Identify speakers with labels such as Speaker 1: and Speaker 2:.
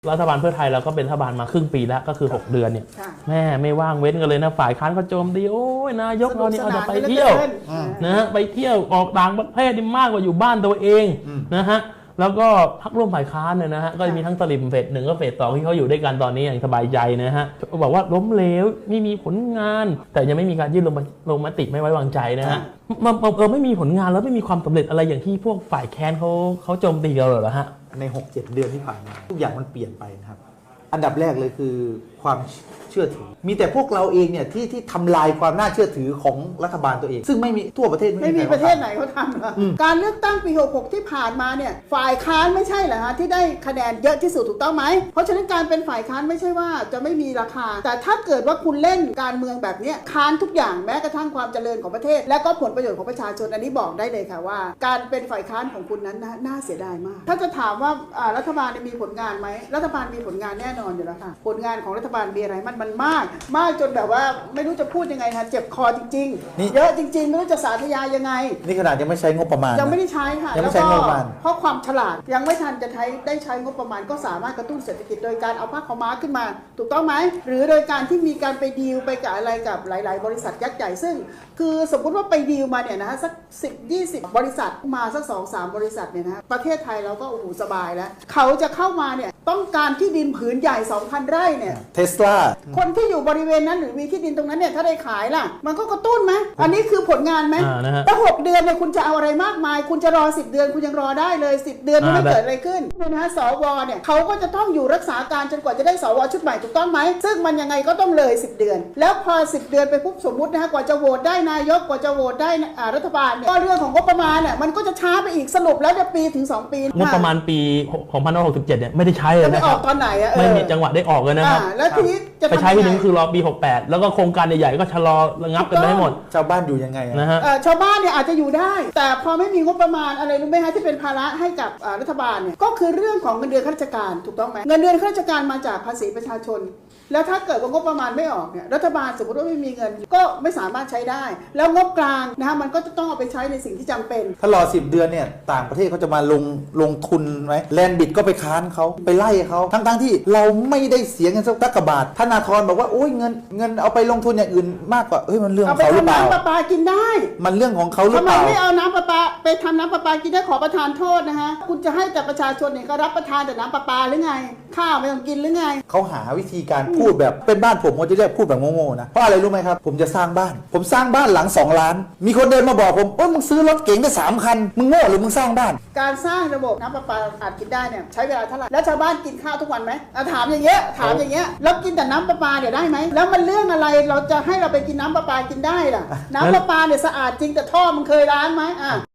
Speaker 1: รัฐบาลเพื่อไทยเราก็เป็นรัฐบาลมาครึ่งปีแล้วก็คือ6 เดือนเนี่ยแม่ไม่ว่างเว้นกันเลยนะฝ่ายค้านก็โจมตีโอ้ยนายกเราเนี่ยเอาแต่ไปเที่ยวนะฮะไปเที่ยวออกต่างประเทศนี่มากกว่าอยู่บ้านตัวเองนะฮะแล้วก็พรรคร่วมฝ่ายค้านเนี่ยนะฮะก็จะมีทั้งสลิมเฟส1ก็เฟส2ที่เขาอยู่ด้วยกันตอนนี้อย่างสบายใจนะฮะบอกว่าล้มเหลวไม่มีผลงาน แต่ยังไม่มีการยื่นลงมติไม่ไว้วางใจนะฮะไม่มีผลงานแล้วไม่มีความสำเร็จอะไรอย่างที่พวกฝ่ายแค้นเขาโจมตีเราเหรอฮะ
Speaker 2: ใน 6-7 เดือนที่ผ่านมาทุกอย่างมันเปลี่ยนไปนะครับอันดับแรกเลยคือความเชื่อถือมีแต่พวกเราเองเนี่ยที่ทำลายความน่าเชื่อถือของรัฐบาลตัวเองซึ่งไม่มีทั่วประเทศ
Speaker 3: ไม่มีประเทศไหนเขาทำการเลือกตั้งปี66ที่ผ่านมาเนี่ยฝ่ายค้านไม่ใช่เหรอฮะที่ได้คะแนนเยอะที่สุดถูกต้องไหมเพราะฉะนั้นการเป็นฝ่ายค้านไม่ใช่ว่าจะไม่มีราคาแต่ถ้าเกิดว่าคุณเล่นการเมืองแบบนี้ค้านทุกอย่างแม้กระทั่งความเจริญของประเทศและก็ผลประโยชน์ของประชาชนอันนี้บอกได้เลยค่ะว่าการเป็นฝ่ายค้านของคุณนั้นน่าเสียดายมากถ้าจะถามว่ารัฐบาลมีผลงานไหมรัฐบาลมีผลงานแน่นอนอยู่แล้วค่ะผลงานของรัฐบาลมีอะไรมันมากจนแบบว่าไม่รู้จะพูดยังไงฮะเจ็บคอจริงๆเยอะจริงๆไม่รู้จะสาธยายยังไง
Speaker 2: นี่ขนาดยังไม่ใช้งบประมาณ
Speaker 3: ยังไม่ได้ใช้ค่ะ
Speaker 2: ยังไม่ใช้งบประมาณ
Speaker 3: เพราะความฉลาดยังไม่ทันจะได้ใช้งบประมาณก็สามารถกระตุ้นเศรษฐกิจโดยการเอาผ้าขาวม้าขึ้นมาถูกต้องไหมหรือโดยการที่มีการไปดีลไปกับอะไรกับหลายๆบริษัทยักษ์ใหญ่ซึ่งคือสมมติว่าไปดีลมาเนี่ยนะสัก10-20 บริษัทมาสัก 2-3 บริษัทเนี่ยนะประเทศไทยเราก็โอ้โหสบายแล้วเขาจะเข้ามาเนี่ยต้องการที่ดินผืนใหญ่ 2,000 ไร่เนี่ย
Speaker 2: เทสลา
Speaker 3: คนที่อยู่บริเวณนั้นหรือมีที่ดินตรงนั้นเนี่ยถ้าได้ขายล่ะมันก็กระตุ้นไหมอันนี้คือผลงานไหมแต่6 เดือนเนี่ยคุณจะเอาอะไรมากมายคุณจะรอ10 เดือนคุณยังรอได้เลย10 เดือนไม่เกิดอะไรขึ้นนะฮะสวเนี่ยเขาก็จะต้องอยู่รักษาการจนกว่าจะได้สวชุดใหม่ถูกต้องไหมซึ่งมันยังไงก็ต้องเลย10 เดือนแล้วพอ10 เดือนไปปุ๊บสมมุตินะฮะกว่าจะโหวตได้นายกกว่าจะโหวตได้รัฐบาลเนี่ยก็เรื่องของงบประมาณเนี่ยมันก็จะช้าไปอีกสรุปแล้วจะปีถึง2 ปี
Speaker 1: งบประมาณปี2567เนี่ยไม่ได้ใช้เลยนะครับ
Speaker 3: ไม่ออกตอนไหน
Speaker 1: ไม่มีจังหวะได้ออกเลยนะครับ
Speaker 3: แล้วทีนี้จะ
Speaker 1: ไปใช้ทีนึงคือรอปี68แล้วก็โครงการใหญ่ๆก็ชะลอระงับกันไปให้หมด
Speaker 2: ชาวบ้านอยู่ยังไง
Speaker 1: นะฮะ
Speaker 3: ชาวบ้านเนี่ยอาจจะอยู่ได้แต่พอไม่มีงบประมาณอะไรรู้ไหมฮะที่เป็นภาระให้กับรัฐบาลเนี่ยก็คือเรื่องของเงินเดือนข้าราชการถูกต้องไหมเงินเดือนข้าราชการมาจากภาษีประชาชนแล้วถ้าเกิดว่างบประมาณไม่ออกเนี่ยรัฐบาลสมมติว่าไม่มีเงินก็ไม่สามารถใช้ได้แล้วงบกลางนะฮะมันก็จะต้องเอาไปใช้ในสิ่งที่จำเป็น
Speaker 2: ถ้ารอ10 เดือนเนี่ยต่างประเทศเขาจะมาลงทุนไหมแลนด์บิดก็ไปค้านเขาไปไล่เขาทั้งที่เราไม่ได้เสียเงินสักกระบาทธนาธรบอกว่าโอ้ยเงินเอาไปลงทุนอย่างอื่นมากกว่ามันเรื่องของเขาหรือเปล่า
Speaker 3: เอาไปทำน้ำประปากินได้
Speaker 2: มันเรื่องของเขาหรือเปล่า
Speaker 3: ทำไมไม่เอาน้ำประปาไปทำน้ำประปากินได้ขอประทานโทษนะฮะคุณจะให้แต่ประชาชนเนี่ยก็รับประทานแต่น้ำประปาหรือไงข้าวไม่ต้องกินหรือไง
Speaker 2: เขาหาวิธีการพูดแบบเป็นบ้านผมจะเรียกพูดแบบโง่ๆนะเพราะอะไรรู้ไหมครับผมจะสร้างบ้านผมสร้างบ้านหลัง2 ล้านมีคนเดินมาบอกผมมึงซื้อรถเก๋งได้3 คันมึงโง่หรือมึงสร้างบ้าน
Speaker 3: การสร้างระบบน้ำประปาอาจกินได้เนี่ยใช้เวลาเท่าไหร่แล้วชาวบ้านกินข้าวทุกวันไหมถามอย่างเงี้ยแล้วกินแต่น้ำประปาเนี่ยได้ไหมแล้วมันเรื่องอะไรเราจะให้เราไปกินน้ำประปากินได้ล่ะน้ำประปาเนี่ยสะอาดจริงแต่ท่อมันเคยล้างไหม